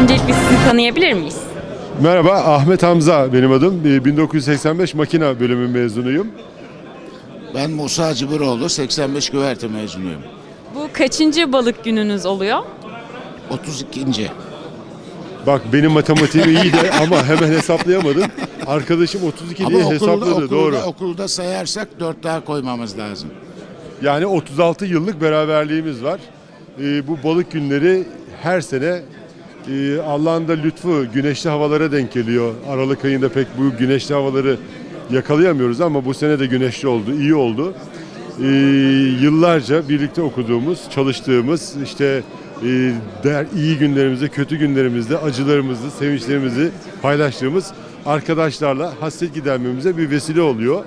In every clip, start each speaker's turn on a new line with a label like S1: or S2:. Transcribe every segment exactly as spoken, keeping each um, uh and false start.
S1: Öncelikle sizi tanıyabilir miyiz?
S2: Merhaba, Ahmet Hamza benim adım. bin dokuz yüz seksen beş makina bölümü mezunuyum.
S3: Ben Musa Cıbıroğlu, seksen beş güverte mezunuyum.
S1: Bu kaçıncı balık gününüz oluyor?
S3: otuz ikinci.
S2: Bak benim matematiğim iyi de ama hemen hesaplayamadım. Arkadaşım otuz iki diye
S3: Ama okulda,
S2: hesapladı,
S3: okulda,
S2: doğru.
S3: okulda sayarsak dört daha koymamız lazım.
S2: Yani otuz altı yıllık beraberliğimiz var. Ee, bu balık günleri her sene e, Allah'ın da lütfu güneşli havalara denk geliyor. Aralık ayında pek bu güneşli havaları yakalayamıyoruz ama bu sene de güneşli oldu, iyi oldu. Ee, yıllarca birlikte okuduğumuz, çalıştığımız, işte e, der, iyi günlerimizde, kötü günlerimizde, acılarımızı, sevinçlerimizi paylaştığımız arkadaşlarla hasret gidermemize bir vesile oluyor.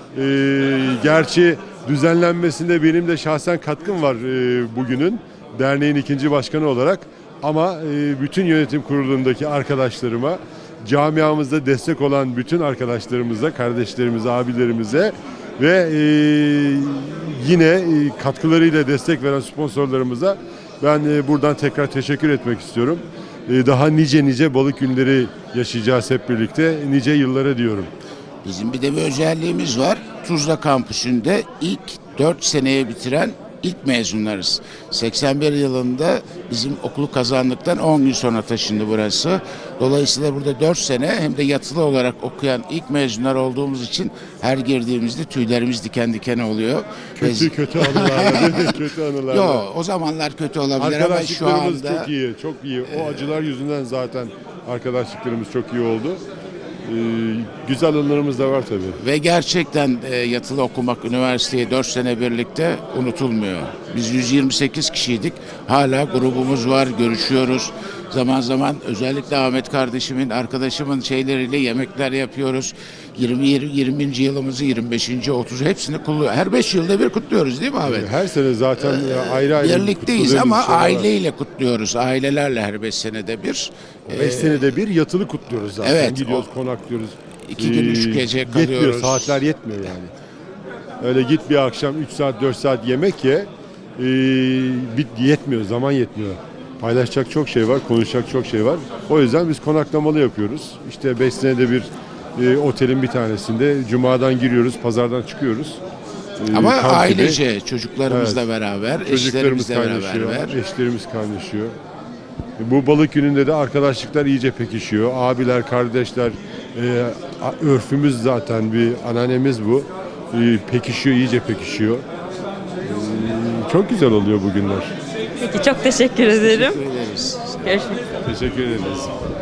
S2: Ee, gerçi düzenlenmesinde benim de şahsen katkım var e, bugünün, derneğin ikinci başkanı olarak. Ama e, bütün yönetim kurulundaki arkadaşlarıma, camiamızda destek olan bütün arkadaşlarımıza, kardeşlerimize, abilerimize ve e, yine e, katkılarıyla destek veren sponsorlarımıza ben e, buradan tekrar teşekkür etmek istiyorum. E, daha nice nice balık günleri yaşayacağız hep birlikte, nice yıllara diyorum.
S3: Bizim bir de bir özelliğimiz var. Tuzla kampüsünde ilk dört seneye bitiren ilk mezunlarız. seksen bir yılında bizim okulu kazandıktan on gün sonra taşındı burası. Dolayısıyla burada dört sene hem de yatılı olarak okuyan ilk mezunlar olduğumuz için her girdiğimizde tüylerimiz diken diken oluyor.
S2: Kötü
S3: Ve-
S2: kötü anılarla, kötü anılarla.
S3: Yo, o zamanlar kötü olabilir ama şu
S2: Arkadaşlıklarımız
S3: anda
S2: çok iyi, çok iyi. O acılar yüzünden zaten arkadaşlıklarımız çok iyi oldu. Ee, güzel anılarımız da var tabii.
S3: ve gerçekten e, yatılı okumak, üniversiteye dört sene birlikte unutulmuyor. Biz yüz yirmi sekiz kişiydik. Hala grubumuz var, görüşüyoruz. Zaman zaman özellikle Ahmet kardeşimin, arkadaşımın şeyleriyle yemekler yapıyoruz. yirmi yirminci yılımızı, yirmi beşinci otuz hepsini kutluyoruz. Her beş yılda bir kutluyoruz değil mi Ahmet?
S2: Her sene zaten ayrı ayrı
S3: Birlikteyiz
S2: kutladığımız
S3: ama
S2: şeyler var.
S3: aileyle kutluyoruz. Ailelerle her beş senede bir.
S2: Beş senede bir yatılı kutluyoruz zaten.
S3: Evet,
S2: Gidiyoruz, konaklıyoruz.
S3: İki gün, üç gece
S2: Yetmiyor,
S3: kalıyoruz.
S2: saatler yetmiyor yani. Öyle git bir akşam üç saat, dört saat yemek ye. Ee, bit yetmiyor, zaman yetmiyor. Paylaşacak çok şey var, konuşacak çok şey var. O yüzden biz konaklamalı yapıyoruz. İşte beş senede bir e, otelin bir tanesinde Cuma'dan giriyoruz, pazardan çıkıyoruz. Ee,
S3: Ama
S2: kamp gibi.
S3: ailece, çocuklarımızla beraber,
S2: Çocuklarımız
S3: eşlerimizle
S2: kaynaşıyor,
S3: beraber.
S2: eşlerimiz kaynaşıyor. Bu balık gününde de arkadaşlıklar iyice pekişiyor. Abiler, kardeşler, e, a- örfümüz zaten bir ananemiz bu. E, pekişiyor, iyice pekişiyor. E, çok güzel oluyor bu günler.
S1: Peki çok teşekkür ederim.
S3: Teşekkür ederiz.
S1: Görüşmek üzere.
S2: Teşekkür ederiz.